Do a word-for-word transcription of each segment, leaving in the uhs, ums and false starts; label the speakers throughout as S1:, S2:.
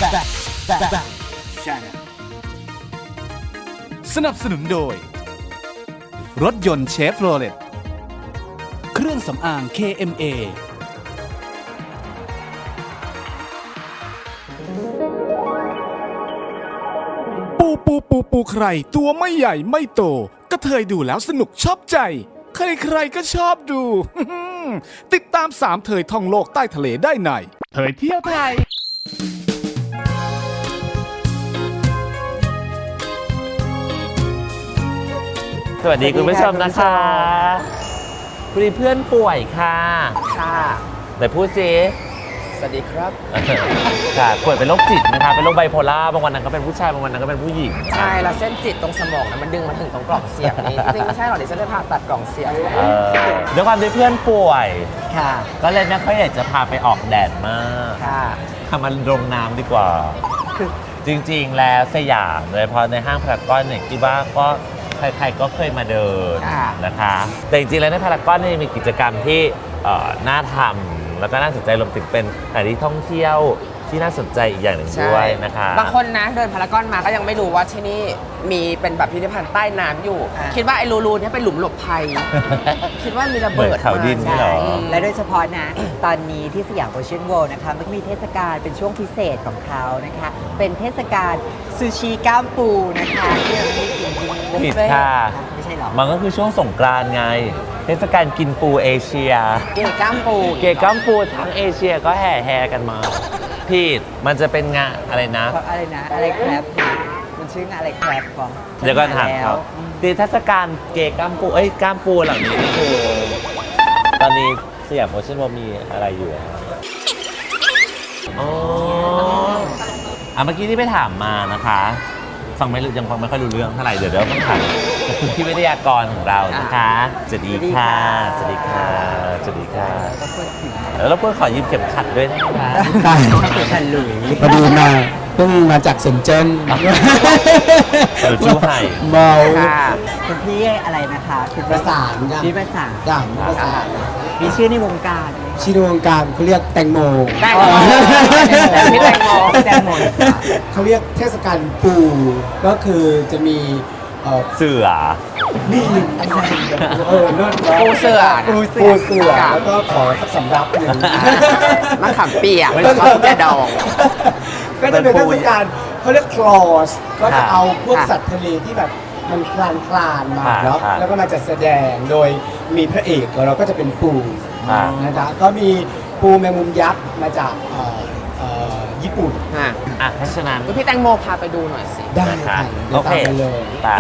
S1: Back Back Back Channel สนับสนุนโดยรถยนต์เชฟโรเลตเครื่องสำอาง เค เอ็ม เอ ปูปูปูปูใครตัวไม่ใหญ่ไม่โตก็เทยดูแล้วสนุกชอบใจใครๆก็ชอบดู ติดตามสามเทยท่องโลกใต้ทะเลได้ในเทยเที่ยวไทย
S2: สวัสดีคุณผู้ชมนะคะพอดีเพื่อนป่วยค่ะค่ะแต่พูดสิ
S3: สวัสดีครับ
S2: ค่ะป่วยเป็นโรคจิตนะคะเป็นโรคไบโพล่าบางวันนั้นก็เป็นผู้ชายบางวันนั้นก็เป็นผู้หญิง
S3: ใช่แล้วเส้นจิตตรงสมองนะมันดึงมาถึงตรงกล่องเสียงนี้จริงๆไม่ใช่หรอกดิฉันได้ผ่าตัดกล่องเสียง
S2: ด้วยความที่เพื่อนป่วย
S3: ค่ะ
S2: ก็เลยไม่ค่อยอยากจะพาไปออกแดดมาก
S3: ค่ะ
S2: ทำมันลงน้ำดีกว่าจริงๆแล้วสยามโดยเฉพาะในห้างพารากอนเนี่ยคิดว่าก็ใครๆก็เคยมาเดินนะคะแต่จริงๆแล้วในพารากอนนี่มีกิจกรรมที่น่าทำแล้วก็น่าสนใจรวมถึงเป็นสถานที่ท่องเที่ยวที่น่าสนใจอีกอย่างหนึ่งด้วยนะคะ
S3: บางคนนะเดินพารากอนมาก็ยังไม่รู้ว่าที่นี่มีเป็นแบบพิพิธภัณฑ์ใต้น้ำอยู่คิดว่าไอ้รูๆนี่เป็นหลุมหลบภัยคิดว่ามีระเบิด
S2: เขาดินนี่หรอ
S4: และโดยเฉพาะนะตอนนี้ที่สยามโอเชียนเวิลด์นะคะมันมีเทศกาลเป็นช่วงพิเศษของเขานะคะเป็นเทศกาลซูชิก้ามปูนะคะที่เราไม่กินที่บุฟเฟ่ต์ไม่ใช่หรอ
S2: มันก็คือช่วงสงกรานต์ไงเทศกาลกินปูเอเชีย
S3: เกยก้ามปู
S2: เกยก้ามปูทั้งเอเชียก็แห่แห่กันมาพี่มันจะเป็นงานอะไรนะ
S4: อะไรนะอะไรแครบมันชื่องานอะไรแครบก่อน
S2: เดี๋ยวก็ถามเขาตีเทศกาลเกยก้ามปูเอ้ยก้ามปูเหล่านี้นี่คือตอนนี้สยามโอเชียนเวิลด์มีอะไรอยู่อ๋ออ่ะเมื่อกี้ที่ไปถามมานะคะฟังไม่ยังฟังไม่ค่อยรู้เรื่องเท่าไหร่เดี๋ยวเดี๋ยวต้องถามคุณพี่วิทยากรของเรานะคะสวัสดีค่ะสวัสดีค่ะสวัสดีค่ะแล้วเราเพื่อขอยืมเข็มขัดด้วยนะคะ
S4: เข็มขัดหลุย
S5: พอดีมาเพิ่งมาจากเซินเจิ้น
S2: หรือจูไห่
S5: เมา
S4: คุณพี่อะไรนะคะ
S5: คือประสาน
S4: พี่ประสาน
S5: ด่างประสาน
S4: มีชื่อในวงการ
S5: ชื่อในวงการเขาเรียกแตงโม
S3: แตงโมพี่แตงโม
S4: แตงโม
S5: เขาเรียกเทศกาลปูก็คือจะมี
S2: เสือ
S5: นี่เออเลิศ
S3: ปูเสือ
S5: ปูเสือแล้วก็ขอสักสำรับหนึ่ง
S3: มะขามเปียกมะขามดอง
S5: ก็จะเป็นเทศกาลเขาเรียกคลอสก็จะเอาพวกสัตว์ทะเลที่แบบมันคลานคลานมาเนาะแล้วก็มาจัดแสดงโดยมีพระเอกของเราก็จะเป็นปูนะจ๊ะก็มีปูแมงมุมยักษ์มาจากญี่ปุ่น
S3: อ่ะ
S2: อ่ะเพราะฉะนั้น
S3: พี่แตงโมพาไปดูหน่อยสิ
S5: ได้ค่ะโอเคเลย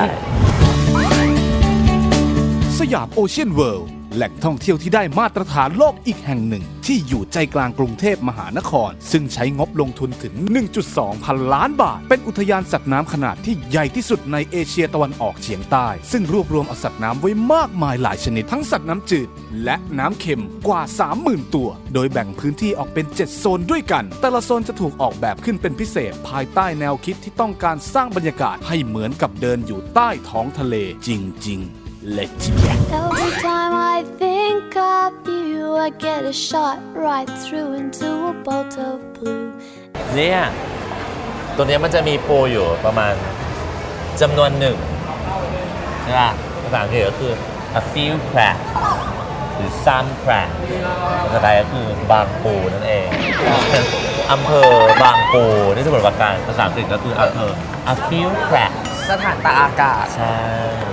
S1: สยามโอเชียนเวิลด์แหล่งท่องเที่ยวที่ได้มาตรฐานโลกอีกแห่งหนึ่งที่อยู่ใจกลางกรุงเทพมหานครซึ่งใช้งบลงทุนถึง หนึ่งจุดสอง พันล้านบาทเป็นอุทยานสัตว์น้ำขนาดที่ใหญ่ที่สุดในเอเชียตะวันออกเฉียงใต้ซึ่งรวบรวมเอาสัตว์น้ำไว้มากมายหลายชนิดทั้งสัตว์น้ำจืดและน้ำเค็มกว่า สามหมื่น ตัวโดยแบ่งพื้นที่ออกเป็นเจ็ดโซนด้วยกันแต่ละโซนจะถูกออกแบบขึ้นเป็นพิเศษภายใต้แนวคิดที่ต้องการสร้างบรรยากาศให้เหมือนกับเดินอยู่ใต้ท้องทะเลจริงๆLet's get
S6: Every time I think of you I get a shot right through into a bolt of blue
S2: เนี่ยตัวนี้มันจะมีปูอยู่ประมาณจำนวนหนึ่งใช่ป่ะภาษาอังกฤษก็คือ a few crab หรือ some crab ภาษาไทยก็คือบางปูนั่นเองอำเภอบางปูนี่สมุทรปราการภาษาอังกฤษก็คืออำเภอ a few crab
S3: สถานตากอากาศ
S2: ใช่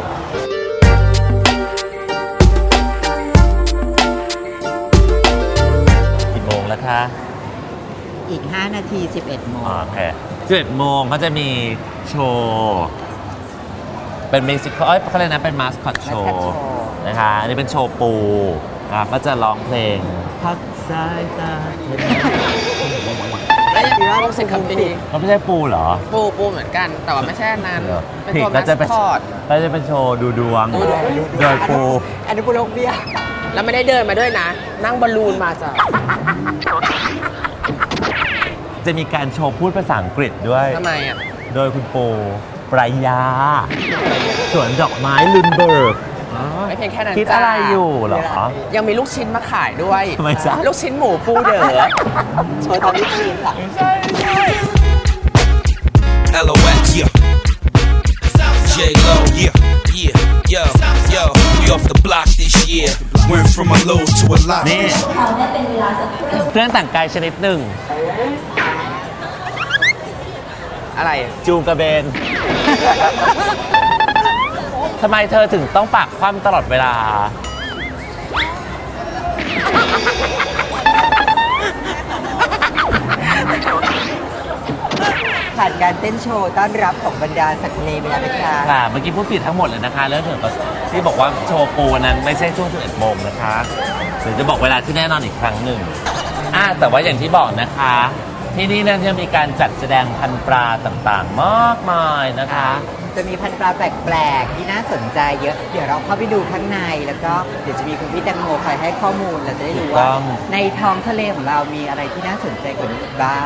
S2: แล้วค่ะ
S4: อีกห้านาทีสิบเอ็ดโมง
S2: โอเคสิบเอ็ดโมงเขาจะมีโชว์เป็นมิวสิคเอ้ยเขาเรียกนะเป็นมาสคอตโชว์นะคะอันนี้เป็นโชว์ปูนะครับก็จะร้องเพลงพักสายตา
S3: แล้วยังมีว่าต้องเซ็นคำพี
S2: มันไม่ใช่ปูเหรอ
S3: ปูปูเหมือนกันแต่ว่าไม่ใช่นั้นเป็นตัวมาสคอต
S2: ก็จะเป็นโชว์ดูดวงโดยปู
S4: อันนี้ปูโลกเบี้ย
S3: แล้วไม่ได้เดินมาด้วยนะนั่งบอลลูนมาจ้ะ
S2: จะมีการโชว์พูดภาษาอังกฤษด้วย
S3: ทำไมอ่ะ
S2: โดยคุณปูปรายาสวนดอกไม้ลุนเบิร์ก
S3: ไม่เพียงแค่นั้น
S2: คิดอะไรอยู่เหรอ
S3: ยังมีลูกชิ้นมาขายด้วย
S2: ทำไมจ๊ะ
S3: ลูกชิ้นหมูปูเด๋อ
S4: โชว์ตอนลูกชิ้นเหรอ
S3: ใช่ใช่
S7: went from a low to a lot.
S2: นี่เครื่องแต่งกายชนิดหนึ่ง
S3: อะไร
S2: จูงกระเบน ทำไมเธอถึงต้องปากคว่ำตลอดเวลา
S4: ผ่านการเต้นโชว์ต้อนรับของบรรดาสัตว์ทะเลไปแล้วนะคะ
S2: ค่ะ เมื่อกี้พูดผิดทั้งหมดเลยนะคะเรื่องเกี่ยวกับที่บอกว่าโชว์ปูนั้นไม่ใช่ช่วงสิบเอ็ดโมงนะคะเดี๋ยวจะบอกเวลาที่แน่นอนอีกครั้งหนึ่งอ่าแต่ว่าอย่างที่บอกนะคะ ที่นี่นั้นจะมีการจัดแสดงพันธุ์ปลาต่างๆ มากมายนะคะ
S4: จะมีพันธุ์ปลาแปลกๆที่น่าสนใจเยอะ เดี๋ยวเราเข้าไปดูข้างในแล้วก็เดี๋ยวจะมีคุณพี่แตงโมคอยให้ข้อมูลเราจะได้รู้
S2: ถูกต้
S4: ว่า
S2: อง
S4: ในท้องทะเลของเรามีอะไรที่น่าสนใจกว่านี้อีกบ้าง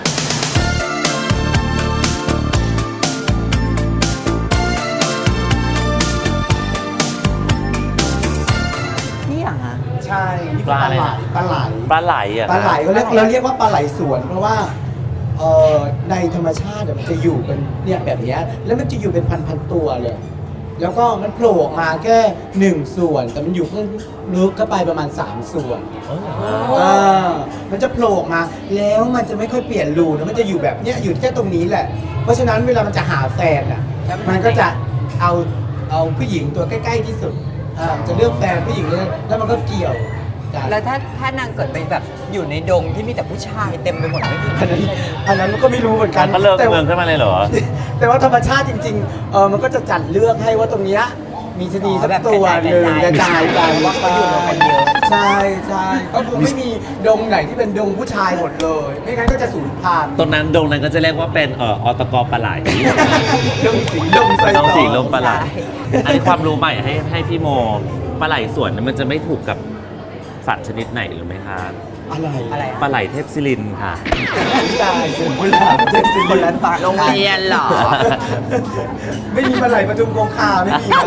S4: นี่เหรอฮะ
S5: ใช่นี่
S2: ปลาอะไรนะ
S5: ปลาไหล
S2: ปลาไหลอ่ะ
S5: ปลาไหลเขาเรียกเราเรียกว่าปลาไหลสวน เพราะว่าเอ่อในธรรมชาติอะมันจะอยู่เป็นเนี่ยแบบเนี้ยแล้วมันจะอยู่เป็นพันๆตัวเลย แล้วก็มันโผล่ออกมาแค่หนึ่งส่วน แต่มันอยู่ข้างลึกเข้าไปประมาณสามส่วน อ่ามันจะโผล่ออกมา แล้วมันจะไม่ค่อยเปลี่ยนรูนะมันจะอยู่แบบเนี้ยอยู่แค่ตรงนี้แหละ เพราะฉะนั้นเวลามันจะหาแฟนอ่ะ มันก็จะเอาเอาผู้หญิงตัวใกล้ๆที่สุดอ่ามันจะเลือกแฟนผู้หญิงเลยแล้วมันก็เกี่ยวกัน
S4: แล้วถ้าถ้านางเกิดไปแบบอยู่ในดงที่มีแต่ผู้ชายเต็มไปหมดไม่มี
S5: อันนั้นอันนั้นก็ไม่รู้เหมือนกัน
S2: ก็เลิก
S5: แต่
S2: เมืองขึ้นมาเลยเหรอ
S5: แต่ว่าธรรมชาติจริงๆเออมันก็จะจัดเลือกให้ว่าตรงเนี้ยมีชะนีสักตัวหนึ่งกระจายกันว่าเขาอยู่กันเยอะใช่ใช่ก็คือไม่มีดงไหนที่เป็นดงผู้ชายหมดเลย ไม่งั้นก็จะสูญพันธุ์
S2: ตรงนั้นดงนั้นก็จะเรียกว่าเป็นเอ่ออตกปลาไหล
S5: ดงสีดงไซ
S2: น้อง
S5: ต
S2: สีลงปลาไหลอันนี้ความรู้ใหม่ให้ให้พี่โมปลาไหลสวนนั้นมันจะไม่ถูกกับสัตว์ชนิดไหนหรือไหมคะ
S5: อะไร
S4: อะไร
S2: ปลาไหลเทพศิรินทร์ค่ะ
S5: ตายเสียงโบราณเจ็ดสิบ
S4: คนละปาก
S3: โรงเรียนเหรอ
S5: ไม่มีปลาไหลปทุมคงคาไม่มีนะ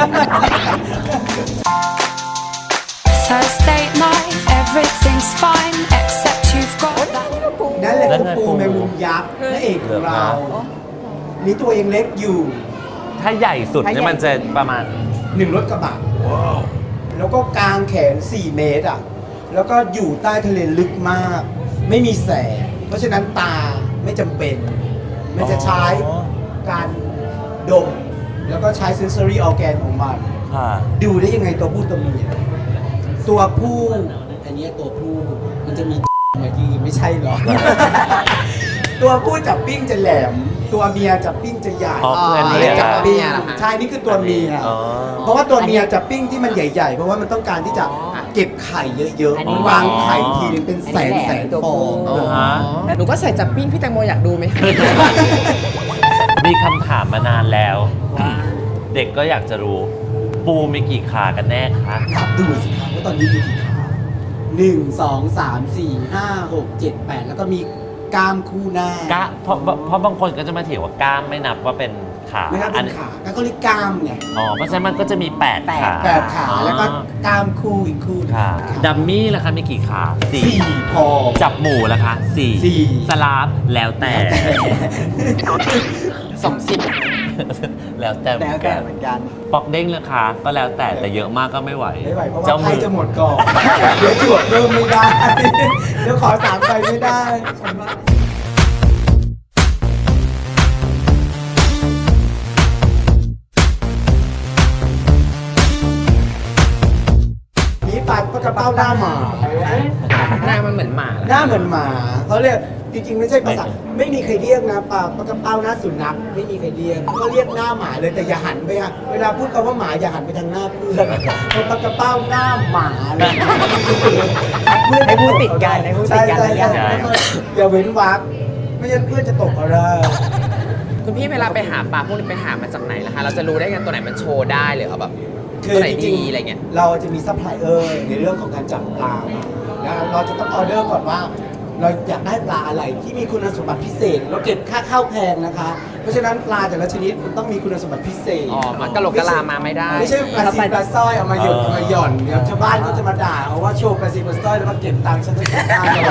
S6: Thursday night, everything's fine except you've got that.
S5: นั่นแหละ
S2: นั่น
S5: คือ
S2: ไง
S5: ปู
S2: ปู
S5: แมงมุมยักษ์พระเอกของเรา นี่ตัวยังเล็กอยู่
S2: ถ้าใหญ่สุดเนี่ยมันจะประมาณ
S5: หนึ่งรถกระบะแล้วก็กางแขนสี่เมตรอ่ะ แล้วก็อยู่ใต้ทะเลลึกมาก ไม่มีแสง เพราะฉะนั้นตาไม่จำเป็น มันจะใช้การดม แล้วก็ใช้ sensory organ ของมัน
S2: ค่ะ
S5: ดูได้ยังไงตัวผู้ตัวเมีย ตัวผู้ อันเนี้ยตัวผู้ มันจะมี เมื่อกี้ไม่ใช่หรอ ตัวผู้จับปิ้งจะแหลม ตัวเมียจับปิ้งจะใหญ่
S2: อ๋อเพื่อน
S3: อ๋อ
S2: เรียก
S3: จับ
S2: อะ
S3: ปิ้ง เหรอคะ
S5: ใช่ นี่คือตัวเมีย
S2: อ๋อ
S5: เพราะว่าตัวเมียจับปิ้งที่มันใหญ่ๆ เพราะว่ามันต้องการที่จะเก็บไข่เยอะ
S4: อันนี้
S5: ๆ วางไข่ทีนึงเป็นแสนแสนฟอง
S3: อ๋อหนูก็ใส่จับปิ้งพี่แตงโมอยากดูไหม
S2: มีคำถามมานานแล้ว เด็กก็อยากจะรู้ ปูมีกี่ขากันแน่คะ
S5: นับดูสิครับว่าตอนนี้มีกี่ขาหนึ่งสองสามสี่ห้าหกเจ็ดแปดแล้วก็มีกล้ามคู่หน้าก
S2: ะเพราะเพราะบางคนก็จะมาเถียงว่ากล้ามไม่นับว่าเป็นขา
S5: ไม่นับ
S2: อั
S5: เป็นขาแล้วก็เรียกกล้ามไง
S2: อ๋อเพราะฉะนั้นมันก็จะมีแปดขา
S5: แปดขาแล้วก็กล้ามคู่อีกคู่หนึ่ง
S2: ค่ะดัมมี่ล่ะคะมีกี่ขาสี่
S5: สี่พอ
S2: จับหมูล่ะคะสี่
S5: สี่
S2: สลาฟแล้วแต่
S3: สองสิบ
S2: แล้วแต่เหมื
S4: แล้
S2: อ
S4: วน แต่
S2: กัน
S4: เหมือนกัน
S2: ปอกเด้งราคาก็แล้วแต่แต่เยอะมากก็ไม่ไหว
S5: ไม่ไหวเพราะว่า
S2: เจ้า
S5: ไพ่
S2: มือ
S5: จะหมดก่อน เดี๋ยวจวบเริ่มไม่ได้ เดี๋ยวขอสามใบไม่ได้ฉันว่านี่ปลาปลากระเป้าหน้าหมา
S3: หน้ามันเหมือนหมา
S5: หน้าเหมือนหมาเขาเรียกจริงๆไม่ใช่ภาษาไม่มีใครเรียกนะปลาปลากระเป้าหน้าสุนัขไม่มีใครเรียกก็เรียกหน้าหมาเลยแต่อย่าหันไปฮะเวลาพูดคำว่าหมาอย่าหันไปทางหน้าเพื่อนเพราะปลากระเป้าหน้าหมาเลย
S4: ให้พูดติดกันให้พูดติดกัน
S5: ใช่ใช่
S4: แล้ว
S5: ใช่แล้วก็อย่าเว้นวรรคไม่งั้นเพื่อนจะตกอะไร
S3: คุณพี่เวลาไปหาปลาพวกนี้ไปหามาจากไหนล่ะคะ เราจะรู้ได้ไงตัวไหนมันโชว์ได้หรือเอาแบบ
S5: คื
S3: ตัว
S5: อ
S3: ไหน
S5: จริ
S3: ดี
S5: ง
S3: อะไรเงี้ย
S5: ๆเราจะมีซัพพลายเออร์ในเรื่องของการจับปลามาแล้วเราจะต้องออเดอร์ก่อนว่า เราอยากได้ปลาอะไรที่มีคุณสมบัติพิเศษ เราเก็บค่าข้าวแพงนะคะ เพราะฉะนั้นปลาแต่ละชนิดมันต้องมีคุณสมบัติพิเศษ
S3: อ๋อมันกะโหลกกะลามาไม่ได้
S5: ไม่ใช่ปลาซีปลาสร้อยเอามาหยด
S2: เออ
S5: เอามาหย่อนเดี๋ยวชาวบ้านก็จะมาด่าเอาว่าโชว์ปลาซีปลาสร้อยแล้วมาเก็บตังค์ฉันจะเก็บได้เลย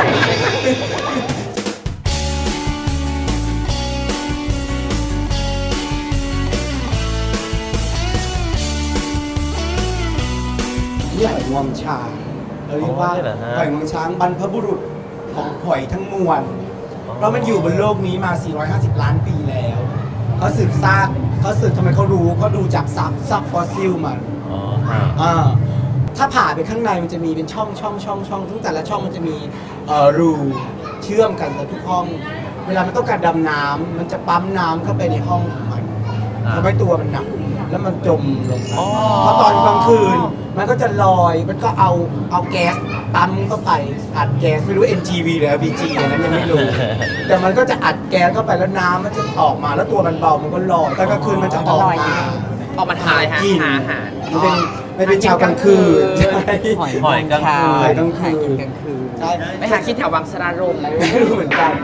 S5: นี่หอยงวงช้างเราเรียกว่า
S2: อ๋อเหรอฮะ
S5: หอยงวงช้างบรรพบุรุษของหอยทั้งมวลเพราะมันอยู่บนโลกนี้มา สี่ร้อยห้าสิบ ล้านปีแล้วเขาสืบซากเขาสืบทำไมเขารู้เขาดูจากซากซากฟอสซิลมัน
S2: อ๋อค่ะ
S5: อ่าถ้าผ่าไปข้างในมันจะมีเป็นช่องช่องช่องช่องซึ่งแต่ละช่องมันจะมีเอ่อรูเชื่อมกันแต่ทุกห้อง เวลามันต้องการดำน้ำมันจะปั๊มน้ำเข้าไปในห้องของมัน
S2: อ่า
S5: ทำให้ตัวมันหนักแล้วมันจมลงไป
S2: อ๋อ
S5: เพราะตอนกลางคืนมันก็จะลอยมันก็เอาเอาแก๊สปั๊มเข้าไปอัดแก๊สไม่รู้ เอ็น จี วี หรือ แอล พี จี อันนั้นยังไม่รู้ แต่มันก็จะอัดแก๊สเข้าไปแล้วน้ำมันจะออกมาแล้วตัวมันเบามันก็ลอยตอนกลางคืนมันจะออกมา
S3: ออกมาทำอะไรฮะ
S5: กิน
S3: หาอาหาร
S5: มันเป็นมันเป็นชาวกลางคืนใช่
S4: หอย
S2: หอยกลางคืน
S5: หอยกลางคืน
S4: หากินกลางคืน
S5: ใช่
S3: ไปหากินแถววังสรารม
S5: ไม่รู้เหมือนกัน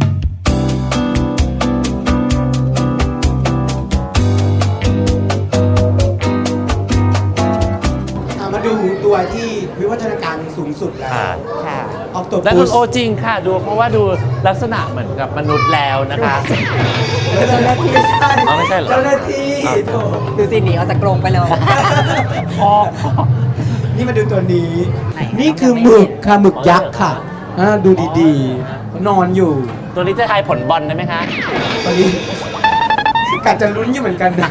S5: เอามาดูตัวที่วิวัฒนาการสูงสุดแล้ว
S2: ค่ะ
S4: ค่ะ
S5: ออกตัว
S2: และ
S5: พุ
S2: คุ
S5: ส
S2: ณโอจริงค่ะ ดูเพราะว่าดูลักษณะเหมือนกับมนุษย์แล้วนะคะ
S5: เจ้าหน้าที่
S2: อ๋อไม่ใช่เหรอ
S5: เจ้าหน้าที่
S2: อ๋อ
S5: โถ่
S4: ดูสิหนีออกจากกรงไปเลย
S2: อ๋อ
S5: นี่มาดูตัวนี้
S4: ไหน
S5: นี่คือหมึกค่ะหมึกยักษ์ค่ะอ่าดูดีๆ นอนอยู่
S2: ตัวนี้จะทายผลบอลได้ไหมคะ
S5: ตอนนี้กัดจะลุ้นอยู่เหมือนกันนะ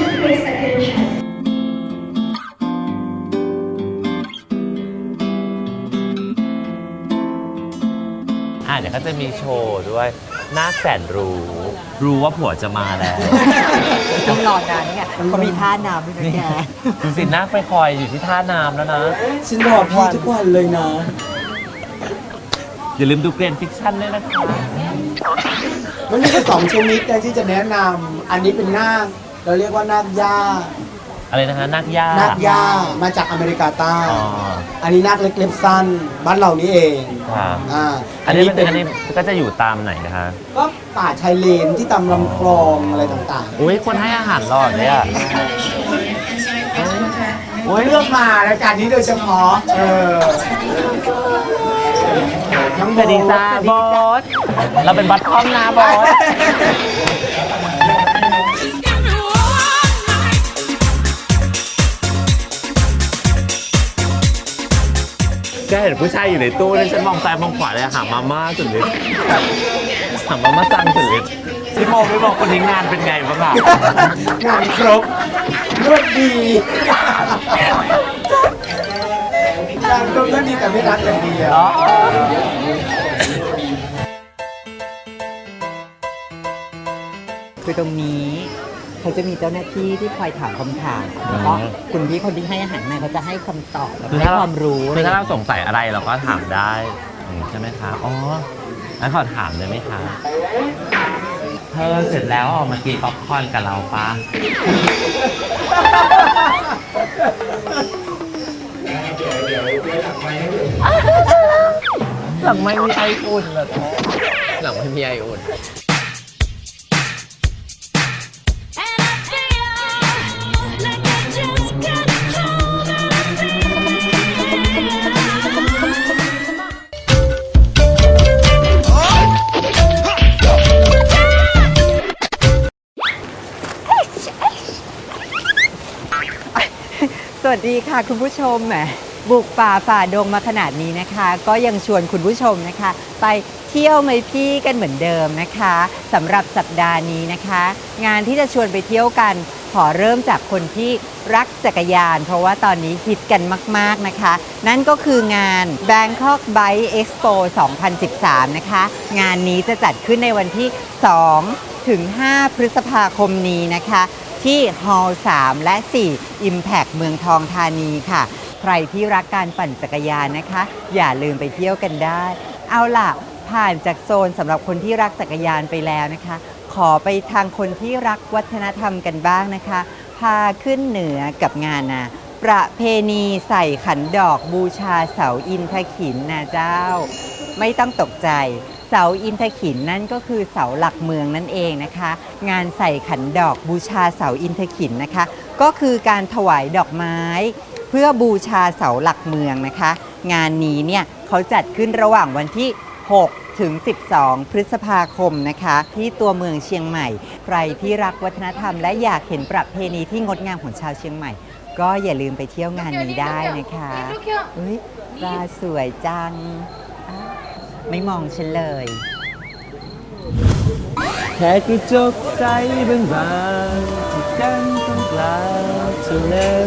S2: อ่าเดี๋ยวก็จะมีโชว์ด้วยนาคแสนรู้ รู้ว่าผัวจะมาแล้ว
S4: ต้องรอนานนี่ไงเขามีท่าน้ำด้วยนะแก
S2: ดูสินาคไปคอยอยู่ที่ท่าน้ำแล้วนะ
S5: ฉันรอพี่ทุกวันเลยนะ
S2: อย่าลืมดูเกรนฟิกชั่นด้วยนะคะ
S5: มันมีแค่สองชนิดนะที่จะแนะนำอันนี้เป็นนาคเราเรียกว่านาคย่า
S2: อะไรนะฮะนาคย่า
S5: นาคย่ามาจากอเมริกาใต้
S2: อ๋อ
S5: อันนี้นาคเล็กเล็บสั้น บ้านเรานี่เอง
S2: ค่ะ
S5: อ่า
S2: อันนี้เป็นอันนี้ก็จะอยู่ตามไหนนะคะ
S5: ก็ป่าชายเลนที่ตามลำคลองอะไรต่าง
S2: อุ้ยคนให้อาหารหลอดเลยอ่ะ
S5: ๆโอ้ยเลือกมารายการนี้โดยเฉพาะเออทั้ง
S2: สวัสดีจ้าบอส เราเป็นบัตคอมนะบอส ก็เห็นผู้ชายอยู่ในตู้แล้วฉันมองซ้ายมองขวาเลยหามาม่าสุดฤทธิ์หามาม่าสั่งสุดฤทธิ์พี่โมไม่บอกคนนี้งานเป็นไงบ้างอ่ะ
S5: งานครบรวดดีงานครบรวดดีแต่ไม่รักอย่างเดียว
S2: อ๋อ
S4: คือตรงนี้เขาจะมีเจ้าหน้าที่ที่คอยถามคำถามแล้วก็คุณพี่คนที่ให้อาหารมาเขาจะให้คำตอบแล้ว
S2: คือ
S4: ให้
S2: ถ้า
S4: ความรู้
S2: คือถ้าเราสงสัยอะไรเราก็ถามได้อืมใช่ไหมคะ อ๋องั้นขอถามเลยไหมคะ เธอเสร็จแล้วออกมากินป๊อปคอร์นกับเราปะหลังไม่มีไออุ่นเหรอแท้
S3: หลังไม่มีไออุ่น
S6: And I feel like I just got cold and I feel
S4: สวัสดีค่ะคุณผู้ชมแหมบุกป่าฝ่าดงมาขนาดนี้นะคะ ก็ยังชวนคุณผู้ชมนะคะ ไปเที่ยวไหมพี่กันเหมือนเดิมนะคะสำหรับสัปดาห์นี้นะคะ งานที่จะชวนไปเที่ยวกันขอเริ่มจากคนที่รักจักรยาน เพราะว่าตอนนี้ฮิตกันมากๆนะคะ นั่นก็คืองาน Bangkok Bike Expo สองพันสิบสาม นะคะ งานนี้จะจัดขึ้นในวันที่ สองถึงห้า พฤษภาคมนี้นะคะ ที่ฮอลล์สามและสี่ Impact เมืองทองธานีค่ะ ใครที่รักการปั่นจักรยานนะคะ อย่าลืมไปเที่ยวกันได้ เอาล่ะ ผ่านจากโซนสำหรับคนที่รักจักรยานไปแล้วนะคะ ขอไปทางคนที่รักวัฒนธรรมกันบ้างนะคะ พาขึ้นเหนือกับงานนะประเพณีใส่ขันดอกบูชาเสาอินทขินนะเจ้า ไม่ต้องตกใจ เสาอินทขินนั่นก็คือเสาหลักเมืองนั่นเองนะคะ งานใส่ขันดอกบูชาเสาอินทขินนะคะ ก็คือการถวายดอกไม้ เพื่อบูชาเสาหลักเมืองนะคะ งานนี้เนี่ยเขาจัดขึ้นระหว่างวันที่ หก ถึง สิบสอง พฤษภาคมนะคะ ที่ตัวเมืองเชียงใหม่ ใครที่รักวัฒนธรรมและอยากเห็นประเพณีที่งดงามของชาวเชียงใหม่ก็อย่าลืมไปเที่ยวงานนี้ได้นะคะอุ้ยปลาสวยจังอ้าวไม่มองฉันเลย
S2: แค่กระจกใสบางๆที่กันตรงกลางเท่านั้น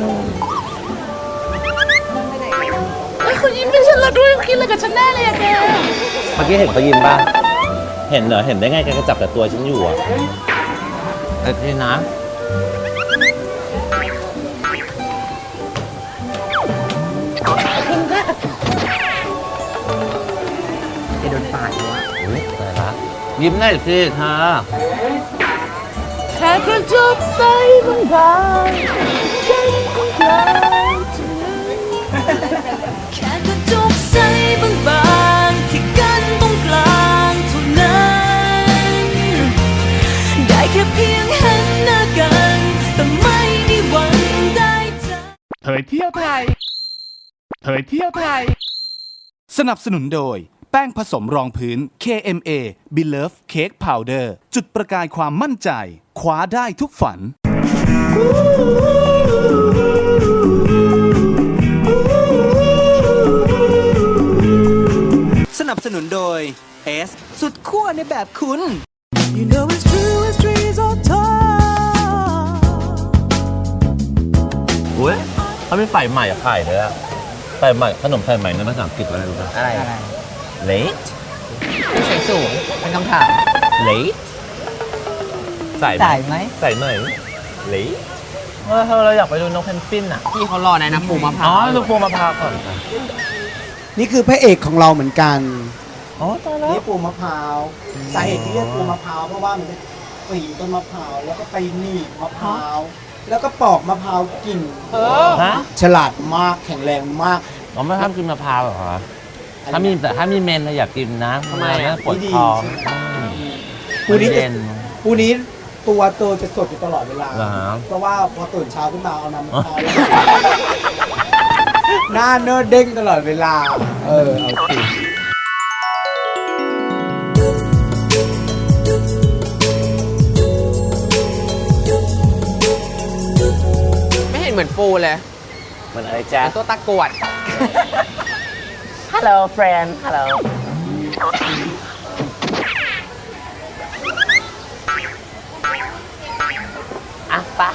S7: เขายิ้มให้ฉันแล้วด้วยเขาคิดอะไรกับฉันแน่เลยอะแก
S2: เมื่อกี้เห็นเขายิ้มป่ะ เห็นเหรอ เห็นได้ไงแกก็จับแต่ตัวฉันอยู่อ่ะเอ้ยนะ
S4: จะโดนปาดแล้วอะ
S2: อุ๊ยตายละยิ้มหน่อยสิเธอ
S7: แค่กระจกใสบางๆใจของกลางแค่กระจกใสบางๆที่กันตรงกลางเท่านั้นได้แค่เพียงเห็นหน้ากันแต่ไม่มีวันได้เจอ
S1: เผยเที่ยวไทย เผยเที่ยวไทย สนับสนุนโดย แป้งผสมรองพื้น เค เอ็ม เอ Belove Cake Powder จุดประกายความมั่นใจ คว้าได้ทุกฝัน
S8: สนับสนุนโดย S สุดขั้วในแบบคุณ
S7: You know it's true as trees are tall
S2: อุ้ยเขามีไฟใหม่ขายเลยอะไฟใหม่ขนมไฟใหม่ในภาษาอังกฤษว่าอะไรรู้ป่ะ
S3: อะไร
S2: late
S3: เสียงสูงเป็นคำถาม
S2: late ใส่
S4: สายไหม
S2: ใส่ไหม late เออเราอยากไปดูนกเพนกวินอะ
S3: พี่เขารอในน้ำปูมะพร้า
S2: อ๋อ
S3: ว
S2: ดูปูมะพร้าวก่อนค่ะ
S5: นี่คือพระเอกของเราเหมือนกัน
S2: อ๋อตายแล้ว
S5: นี่ปูมะพร้าวสาเหตุที่เรียกปูมะพร้าวเพราะว่ามันจะปีนต้นมะพร้าวแล้วก็ไปหนีบมะพร้าวแล้วก็ปอกมะพร้าวกิน
S2: ฮะ
S5: ฉลาดมากแข็งแรงมาก
S2: อ๋อไม่ห้ามกินมะพร้าวเหรอคะถ้ามีแต่ถ้ามีเมนเราอยากกินนะ
S3: ทำไมอะ
S2: ปวดท้อง
S5: ปูนี้จะ
S2: เย็น
S5: ปูนี้ตัวเตอจะสดอยู่ตลอดเวลา
S2: เหรอฮะ
S5: เพราะว่าพอตื่นเช้าขึ้นมาเอาน้ำมะพร้าวหน้าเนื้อเด้งตลอดเวลา เออเอาสิ
S3: ไม่เห็นเหมือนปูเลย
S2: มันอะไรจ๊ะ
S3: เป็นตัวตะกรวด
S2: Hello friend Hello อ่ะปะ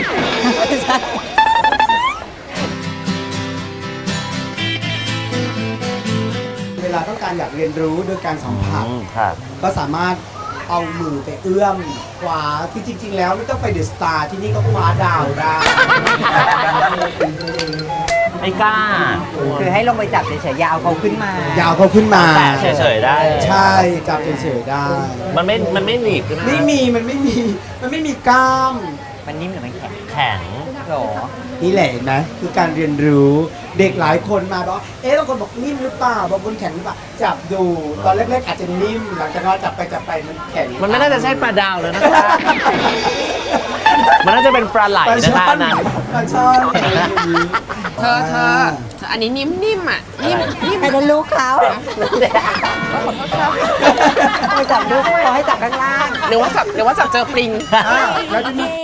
S5: เวลาต้องการอยากเรียนรู้โดยการสัมผัส
S2: อืมค่ะ
S5: ก็สามารถเอามือไปเอื้อมคว้าที่จริง ๆ แล้วไม่ต้องไปเดอะสตาร์ที่นี่ก็คว้าดาวได้
S2: ไม่กล้า
S4: คือให้ลงไปจับเฉยๆอยาเอาเขาขึ้นมา
S5: ยาวเขาขึ้นมา
S2: แต่เฉยๆได้
S5: ใช่จับเฉยๆได้
S2: มันไม่ มันไม่หนีบใช่ไหม
S5: ไม่มีมันไม่มีมันไม่มีกล้าม
S4: มันนิ่มหรือมันแข็ง
S2: แข็ง
S4: หรอ
S5: นี่แหละเห็นไหมคือการเรียนรู้เด็กหลายคนมาบอกเอ๊ะบางคนบอกนิ่มหรือเปล่าบางคนแข็งหรือเปล่าจับดูตอนแรกๆอาจจะนิ่มหลังจากนั้นจับไปจับไปมันแข็ง
S2: มันไม่น่าจะใช่ปลาดาวเลยนะคะ มันน่าจะเป็นปลาไหล
S5: ปลา
S2: นะ
S5: ช่
S2: คะ
S5: อ
S2: อั
S5: น
S2: นนั้น
S5: ปลาช่อนอะไรอย่างนี้
S3: เธอเธอเธออันนี้นิ่มๆอ่ะ นิ่มนิ่ม
S4: ให้ได้ลูกเขาไปจับลูกเขาให้จับข้างล่าง
S3: หรือว่าจับหรือว่าจับเจอปลิง
S5: อ่าแล้วจะมี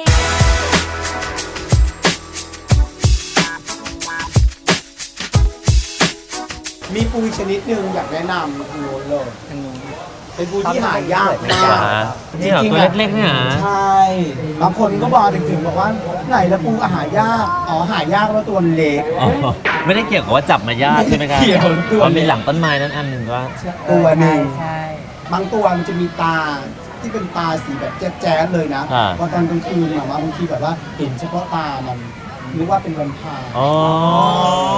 S5: มีปูอีกชนิดหนึ่งอยากแนะนำทางโน้นเลยเป็นปูที่หายากมาก
S2: นี่เหรอ
S5: จริง
S2: ตัว
S5: ๆอะ
S2: เล็กๆเนี่ยเหรอ
S5: ใช่ บางคนก็บอกถึงๆบอกว่าไหนละปูอาหายาก อ๋อหายากแล้วตัวเล็ก
S2: อ๋อไม่ได้เกี่ยวกับว่าจับมายากใช่ไหมครับ
S5: ไม่เกี่ยวตัว
S2: มันมีหลังต้นไม้นั้นอันหนึ่งก็
S5: ตัวหนึ่ง
S4: ใช่
S5: บางตัวมันจะมีตาที่เป็นตาสีแบบแจ๊ดๆเลยนะ
S2: อ่า
S5: พอตอนกลางคืนแบบว่าบางทีแบบว่าเห็นเฉพาะตามันนึกว่าเป็นแวมไพร์
S2: อ๋อ